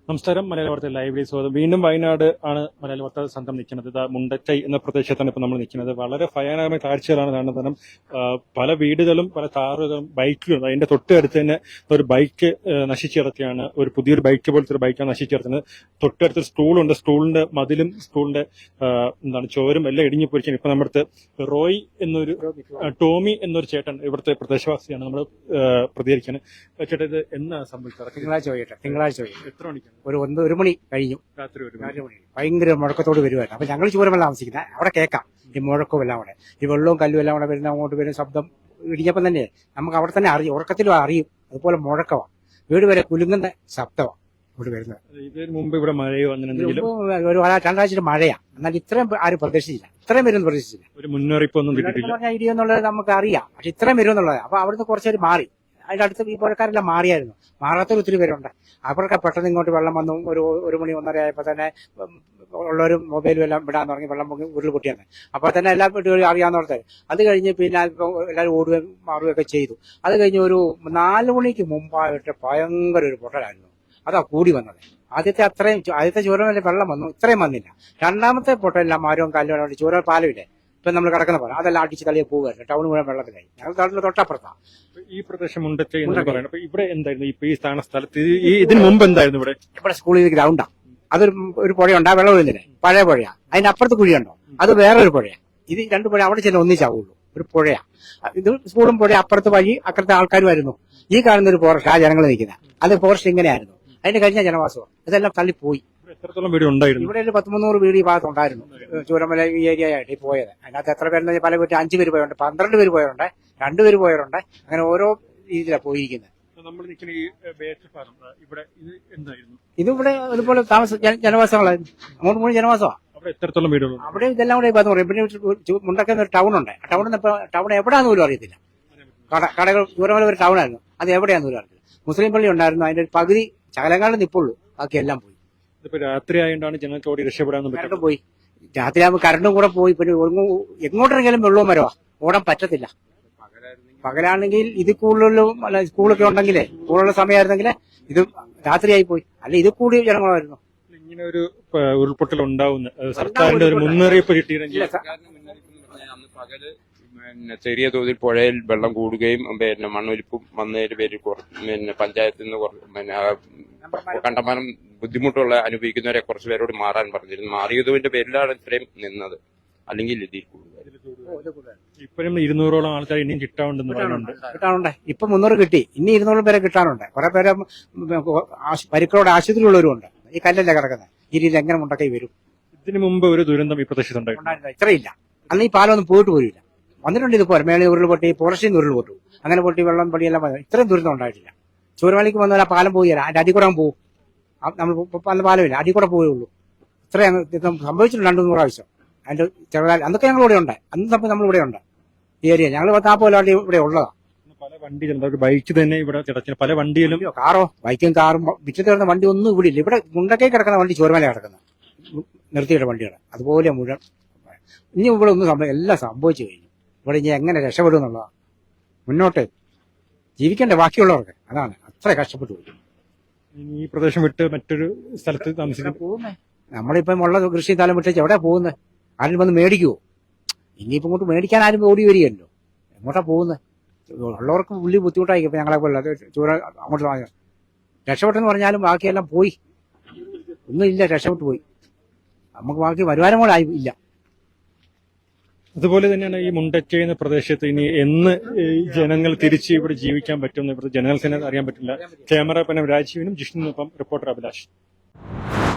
നമസ്കാരം. മലയാള വാർത്ത ലൈവിലേക്ക് സ്വാഗതം. വീണ്ടും വയനാട് ആണ് മലയാള വാർത്ത സംഘം നിൽക്കുന്നത്. ഇതാ മുണ്ടക്കൈ എന്ന പ്രദേശത്താണ് ഇപ്പോൾ നമ്മൾ നിൽക്കുന്നത്. വളരെ ഭയാനകമായ കാഴ്ചകളാണ് കാണുന്നത്. കാരണം പല വീടുകളും പല കാറുകളും ബൈക്കുകളും അതിന്റെ തൊട്ടടുത്ത് തന്നെ ഒരു ബൈക്ക് നശിച്ചു കിടക്കുകയാണ്. ഒരു പുതിയൊരു ബൈക്ക് പോലത്തെ ഒരു ബൈക്കാണ് നശിച്ചു കിടക്കുന്നത്. തൊട്ടടുത്തൊരു സ്കൂളുണ്ട്. സ്കൂളിന്റെ മതിലും സ്കൂളിന്റെ ചോരും എല്ലാം ഇടിഞ്ഞു പോയിരിക്കുകയാണ്. ഇപ്പൊ നമ്മുടെ റോയ് എന്നൊരു ടോമി എന്നൊരു ചേട്ടൻ ഇവിടുത്തെ പ്രദേശവാസിയാണ്. നമ്മൾ പ്രതികരിക്കാണ്. ചേട്ടാ, ഇത് എന്നാ സംഭവിച്ചത്? തിങ്കളാഴ്ച എത്ര മണിക്കാണ്? ഒരു മണി കഴിഞ്ഞു. രാത്രി 1 മണി. ഭയങ്കര മുഴക്കത്തോട് വരുമായിരുന്നു. അപ്പൊ ഞങ്ങൾ ചൂരമല്ല താമസിക്കുന്നത്. അവിടെ കേൾക്കാം ഈ മുഴക്കവും എല്ലാം കൂടെ, ഈ വെള്ളവും കല്ലും എല്ലാം കൂടെ വരുന്ന അങ്ങോട്ട് വരുന്ന ശബ്ദം ഇടിഞ്ഞപ്പം തന്നെ നമുക്ക് അവിടെ തന്നെ അറിയും, ഉറക്കത്തിലും അറിയും. അതുപോലെ മുഴക്കമാണ്, വീട് വരെ കുലുങ്ങുന്ന ശബ്ദമാണ് ഇവിടെ വരുന്നത്. ഇതിന് മുമ്പ് ഇവിടെ മഴയോ അങ്ങനെ എന്തെങ്കിലും? ഒരു രണ്ടാഴ്ച മഴയാണ്. എന്നാൽ ഇത്രയും ആരും പ്രതീക്ഷിച്ചില്ല, ഇത്രയും വരുമെന്ന് പ്രതീക്ഷിച്ചില്ല. ഒരു മുന്നറിയിപ്പൊന്നും കിട്ടിയിട്ടില്ല. പറഞ്ഞാൽ ഇടിയെന്നുള്ളത് നമുക്ക് അറിയാം, പക്ഷെ ഇത്രയും വരുമെന്നുള്ളത്. അപ്പൊ അവിടുന്ന് കുറച്ചേര് മാറി. അതിന്റെ അടുത്ത് ഈ പുഴക്കാരെല്ലാം മാറിയായിരുന്നു. മാറാത്തൊരു ഒത്തിരി പേരുണ്ട്. അവർക്ക് പെട്ടെന്ന് ഇങ്ങോട്ട് വെള്ളം വന്നു. ഒരു മണി 1:30 ആയപ്പോൾ തന്നെ ഉള്ളവരും മൊബൈലും എല്ലാം വിടാൻ തുടങ്ങി. വെള്ളം ഉരുൾ പൊട്ടിയാണ്. അപ്പോൾ തന്നെ എല്ലാ വീട്ടുകളും അറിയാവുന്നവർക്ക്. അത് കഴിഞ്ഞ് പിന്നെ എല്ലാവരും ഓടുകയും മാറുകയൊക്കെ ചെയ്തു. അത് കഴിഞ്ഞ് ഒരു 4 മണിക്ക് മുമ്പായിട്ട് ഭയങ്കര ഒരു പൊട്ടലായിരുന്നു. അതാ കൂടി വന്നത്. ആദ്യത്തെ ചൂരമല്ല വെള്ളം വന്നു, ഇത്രയും വന്നില്ല. രണ്ടാമത്തെ പൊട്ടലെല്ലാം മരവും കല്ലും ചൂര പാലമില്ലേ ഇപ്പൊ നമ്മൾ കിടക്കുന്ന പോലെ അതെല്ലാം അടിച്ച് തള്ളിയെ പോകുമായിരുന്നു. ടൗൺ മുഴുവൻ വെള്ളത്തിലായി. ഞങ്ങൾ നാട്ടിൽ തൊട്ടപ്പുറത്താണ് ഈ പ്രദേശം മുണ്ടക്കൈ എന്ന് പറയുന്നത്. അപ്പൊ ഇവിടെ എന്തായിരുന്നു ഇപ്പൊ ഈ സ്ഥലത്ത് ഇതിന് മുമ്പ് എന്തായിരുന്നു? ഇവിടെ സ്കൂളിൽ ഗ്രൗണ്ടാണ്. അതൊരു പുഴയുണ്ട്, ആ വെള്ളം ഒഴുകുന്നില്ലേ, പഴയ പുഴയാണ്. അതിന്റെ അപ്പുറത്ത് കുഴിയുണ്ടോ, അത് വേറൊരു പുഴയാണ്. ഇത് 2 പുഴ അവിടെ ചെന്ന് ഒന്നിച്ചാവുള്ളൂ, ഒരു പുഴയാണ്. ഇത് സ്കൂളും പുഴ, അപ്പുറത്ത് വഴി, അക്കരത്തെ ആൾക്കാരുമായിരുന്നു. ഈ കാണുന്ന ഒരു ഫോറസ്റ്റ്, ആ ജനങ്ങൾ നിൽക്കുന്നത്, അത് ഫോറസ്റ്റ് ഇങ്ങനെയായിരുന്നു. അതിന്റെ കഴിഞ്ഞ ജനവാസവും ഇതെല്ലാം തള്ളിപ്പോയി. എത്രത്തോളം വീട് ഉണ്ടായിരുന്നു? ഇവിടെ ഒരു 100-300 വീട് ഈ ഭാഗത്തുണ്ടായിരുന്നു. ചൂരമല ഈ ഏരിയ ആയിട്ട് പോയത്. അതിനകത്ത് എത്ര പേരെന്ന് പല വീട്ടിൽ 5 പേര് പോയവരുണ്ട്, 12 പേര് പോയവരുണ്ട്, 2 പേര് പോയവരുണ്ട്. അങ്ങനെ ഓരോ രീതിയിലാണ് പോയിരിക്കുന്നത്. ഇതിവിടെ അതുപോലെ ജനവാസങ്ങളായിരുന്നു. അങ്ങോട്ട് മുഴുവൻ ജനവാസമാണ്. എത്രത്തോളം വീടുകൾ? അവിടെ ഇതെല്ലാം കൂടെ പറയും. പിന്നെ മുണ്ടക്കുന്ന ഒരു ടൗൺ ഉണ്ട്. ടൗൺ എവിടെയാന്ന് പോലും അറിയത്തില്ല. കടകൾ ചൂരമല ഒരു ടൗൺ ആയിരുന്നു, അത് എവിടെയാന്ന് പോലും അറിയത്തില്ല. മുസ്ലിം പള്ളി ഉണ്ടായിരുന്നു, അതിന്റെ ഒരു പകുതി ശകലങ്കാലം നിപ്പുള്ളൂ, ബാക്കി എല്ലാം പോയി. രാത്രി ആയതുകൊണ്ടാണ് ജനങ്ങൾക്ക് ഓടി രക്ഷപ്പെടാൻ കരണ്ടും പോയി. രാത്രിയാകുമ്പോൾ കരണ്ടും കൂടെ പോയി. പിന്നെ എങ്ങോട്ടെങ്കിലും വെള്ളവും മരവാ, ഓടാൻ പറ്റത്തില്ല. പകലാണെങ്കിൽ ഇത് കൂടുതലും അല്ല, സ്കൂളൊക്കെ ഉണ്ടെങ്കിലേ, സ്കൂളുള്ള സമയമായിരുന്നെങ്കിൽ ഇത് രാത്രിയായി പോയി. അല്ല, ഇത് കൂടി ജനങ്ങളായിരുന്നു. ഇങ്ങനെ ഒരു ഉരുൾപൊട്ടൽ ഉണ്ടാവുന്ന സർക്കാരിന്റെ ഒരു മുന്നറിയിപ്പ് കിട്ടിയിരുന്നെങ്കിൽ ചെറിയ തോതിൽ പുഴയിൽ വെള്ളം കൂടുകയും പിന്നെ മണ്ണൊലിപ്പും വന്നതിന്റെ പേരിൽ പിന്നെ പഞ്ചായത്തിൽ നിന്ന് കണ്ടമാനം ബുദ്ധിമുട്ടുള്ള അനുഭവിക്കുന്നവരെ കുറച്ച് പേരോട് മാറാൻ പറഞ്ഞിരുന്നു. മാറിയതിന്റെ പേരിലാണ് ഇത്രയും നിന്നത്. അല്ലെങ്കിൽ ഇതിൽ ഇപ്പോഴും 200ഓളം ആൾക്കാർ ഇനിയും കിട്ടാനുണ്ട്. ഇപ്പൊ 300 കിട്ടി, ഇനി 200 പേരെ കിട്ടാനുണ്ട്. കുറെ പേരെ പരിക്കളോട് ആശുപത്രിയുള്ളവരും ഉണ്ട്. ഈ കല്ലല്ലേ കിടക്കുന്നത്, ഈ രീതിയിൽ എങ്ങനെ മുണ്ടക്കൈ വരും? ഇതിനു മുമ്പ് ഒരു ദുരന്തം ഈ പ്രദേശത്തുണ്ടായിരുന്നു? ഇത്രയില്ല. അന്ന് ഈ പാലം ഒന്നും പോയിട്ട് പോരില്ല. വന്നിട്ടുണ്ട് ഇതുപോലെ മേളി ഉരുൾ പൊട്ടി, ഫോറസ്റ്റിൽ നിന്ന് ഉരുൾ പൊട്ടു, അങ്ങനെ പൊട്ടി വെള്ളം പടിയെല്ലാം വന്നു. ഇത്രയും ദുരന്തം ഉണ്ടായിട്ടില്ല. ചൂരമലയ്ക്ക് വന്നാൽ ആ പാലം പോയി തരാം, അതിന്റെ അടി കൂടെ പോകും. നമ്മൾ അന്ന് പാലമില്ല, അടി കൂടെ പോവുള്ളൂ. ഇത്രയും സംഭവിച്ചിട്ടുണ്ട് 200 പ്രാവശ്യം. അതിന്റെ ചെറുതായി അന്നൊക്കെ ഞങ്ങൾ ഇവിടെ ഉണ്ട്. അന്ന് നമ്മൾ ഇവിടെ ഉണ്ട്. ഈ ഏരിയ ഞങ്ങൾ 40 ഇവിടെ ഉള്ളതാണ്. പല വണ്ടികളും ബൈക്ക് തന്നെ ഇവിടെ പല വണ്ടിയിലും കാറോ ബൈക്കും കാറും വിറ്റ് തീർന്ന വണ്ടി ഒന്നും ഇവിടെ ഇല്ല. ഇവിടെ മുണ്ടക്കൈ കിടക്കുന്ന വണ്ടി ചൂരമല കിടക്കുന്നത് നിർത്തിയിട്ട വണ്ടികൾ അതുപോലെ മുഴുവൻ. ഇനി ഇവിടെ ഒന്നും എല്ലാം സംഭവിച്ചു കഴിഞ്ഞു. ഇവിടെ ഇനി എങ്ങനെ രക്ഷപ്പെടും എന്നുള്ളതാണ്. മുന്നോട്ട് ജീവിക്കേണ്ട ബാക്കിയുള്ളവർക്ക്, അതാണ് അത്ര കഷ്ടപ്പെട്ടു പോയി. ഈ പ്രദേശം വിട്ട് മറ്റൊരു സ്ഥലത്ത് താമസിക്കാൻ പോകുന്നേ. നമ്മളിപ്പം ഉള്ള കൃഷി സ്ഥലം വിട്ടേച്ച് എവിടെ പോകുന്നത്? ആരും വന്ന് മേടിക്കുവോ? ഇനിയിപ്പോ ഇങ്ങോട്ട് മേടിക്കാൻ ആരും ഓടി വരികയല്ലോ. എങ്ങോട്ടാ പോകുന്നത്? ഉള്ളവർക്ക് വലിയ ബുദ്ധിമുട്ടായിരിക്കും. ഇപ്പൊ ഞങ്ങളെ പോലെ ചൂര അങ്ങോട്ട് രക്ഷപ്പെട്ടെന്ന് പറഞ്ഞാലും ബാക്കിയെല്ലാം പോയി, ഒന്നുമില്ല, രക്ഷപ്പെട്ടു പോയി. നമുക്ക് ബാക്കി വരുമാനം കൂടെ ഇല്ല. അതുപോലെ തന്നെയാണ് ഈ മുണ്ടക്കൈ എന്ന പ്രദേശത്ത് ഇനി എന്ന് ജനങ്ങൾ തിരിച്ച് ഇവിടെ ജീവിക്കാൻ പറ്റുമെന്ന് ഇവിടുത്തെ ജനങ്ങൾക്ക് തന്നെ അറിയാൻ പറ്റില്ല. ക്യാമറ രാജീവിനും ജിഷ്ണുവിനൊപ്പം റിപ്പോർട്ടർ അഭിലാഷ്.